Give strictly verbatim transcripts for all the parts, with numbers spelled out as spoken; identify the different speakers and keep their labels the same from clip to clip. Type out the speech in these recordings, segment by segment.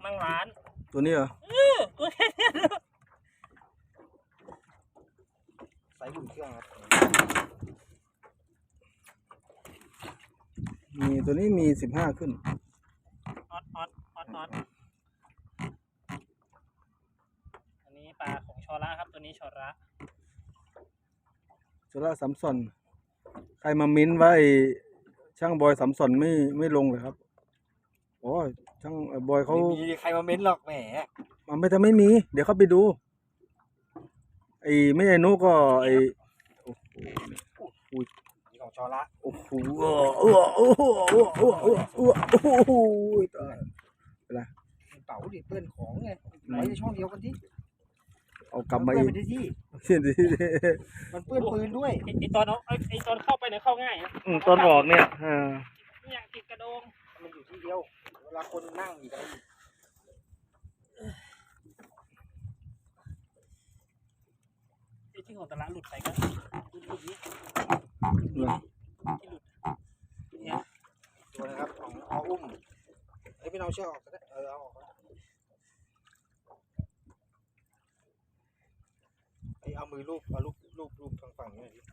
Speaker 1: นั่งร้าน
Speaker 2: ตัวนี้เหรอ
Speaker 1: เออตัวแค่นี้
Speaker 3: ใส่หุ่นเครื่องครับ
Speaker 2: มีตัวนี้มีสิบห้าขึ้น
Speaker 1: ออดออดออดออดอันนี้ปลาของชอระครับตัวนี้ชอระ
Speaker 2: ชอระสัมสอนใครมามิ้นว่าไอ้ช่างบอยสัมสอนไม่ไม่ลงเลยครับโอ้ช่างบอยเขา
Speaker 3: ไม่มีใครมาเม้นหรอกแหม
Speaker 2: มันไม่ทำไม่มี เดี๋ยวเขาไปดูไอ้ไม่ใช่นุก็ไอ้โอ้โห
Speaker 3: นี่ของชอระ
Speaker 2: โอ้โหโอ้โหโอ้โหโอ้โหโอ้โหโอ้โหตายอะไร
Speaker 3: เป๋าดิเปื้อนของไงไว้ในช่องเดียวกันที่
Speaker 2: เอากลับมาอีก
Speaker 3: ที่
Speaker 2: ที่
Speaker 3: มันเปื้อนปืนด้วย
Speaker 1: ไอตอนไอไอตอนเข้าไปเนี่ยเข้าง่ายนะ
Speaker 2: ตอนออกเนี่ยอ่า
Speaker 1: เนี่ยติดกระโดง
Speaker 3: มันอยู่ที่เดียวเวลาคนนั่งอีกอะไรอีก
Speaker 1: ไอที่ของตลาดหลุดไปก็หลุดนี้ที่หลุดเนี่ย
Speaker 3: ตัวนะครับของเอาอุ้มไอ้พี่น้องเชือกออกก็ได้เออเอาออกไอ้เอามือลูบเอาลูบลูบลูบทางฝั่งนี้ดิ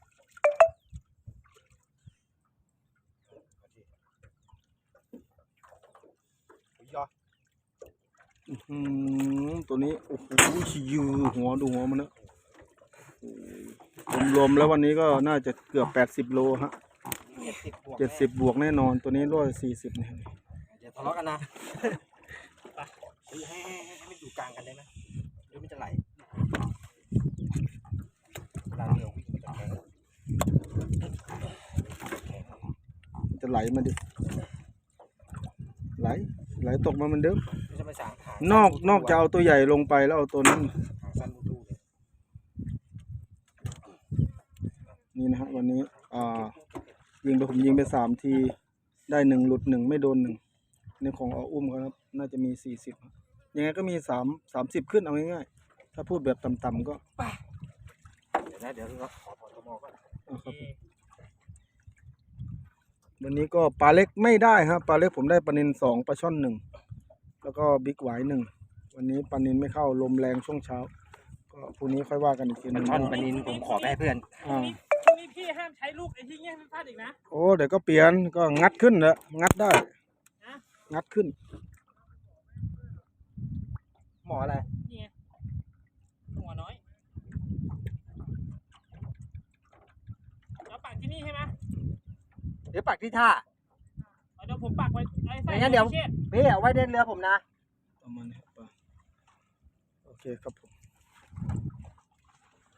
Speaker 3: ยอ
Speaker 2: อืมตัวนี้โอ้โหยือหัวดูหัวมันนะรวมๆแล้ววันนี้ก็น่าจะเกือบแปดสิบโลฮะเจ็ดสิบบวกแน่นอนตัวนี้ร้อยสี่สิบเนี่ย
Speaker 3: อย่าทะเลาะกันนะให้ให้ให้ให้อยู่กลางกันได้ไหมหรือมันจะไหลเวลาเรือวิ่งมันจะแข็ง
Speaker 2: จะไหลมาดิไหลไหลตกมาเหมือนเดิมนอกนอกจะเอาตัวใหญ่ลงไปแล้วเอาตัวนั้นนี่นะฮะวันนี้อ่ายิงไปผมยิงไปสามทีได้หนึ่งหลุดหนึ่งไม่โดนหนึ่งในของเอาอุ้มครับน่าจะมีสี่สิบยังไงก็มีสามสามสิบขึ้นเอาง่ายๆถ้าพูดแบบต่ำๆก็
Speaker 3: เดี๋ยวนะเดี๋ยวเราขอถอดตัวมอก่อน
Speaker 2: วันนี้ก็ปลาเล็กไม่ได้ครับปลาเล็กผมได้ปลานิลสองปลาช่อนหนึ่งแล้วก็บิ๊กหวายหนึ่งวันนี้ปลานิลไม่เข้าลมแรงช่วงเช้าก็พรุ่งนี้ค่อยว่ากันอีกทีนึง
Speaker 3: ช่อนปลานิลผมขอไปให้เพื่อน
Speaker 1: อ่าพรุ่งนี้พี่ห้ามใช้ลูกไอ้ที่เงี้ยพลาดอีกนะ
Speaker 2: โอ้เดี๋ยวก็เปลี่ยนก็งัดขึ้นแล้วงัดได้งัดขึ้น
Speaker 3: หมออะไร
Speaker 1: นี่ไงหัวน้อยเราปักที่นี่ใช่ไหม
Speaker 3: เดี๋ยวปักที่ท่า
Speaker 1: เดี๋ยวผมปักไว้ไ
Speaker 3: อ้งั้นเดี๋ยวพี่เอาไว้เดินเรือผมนะ
Speaker 2: ประมาณนี้โอเคครับผม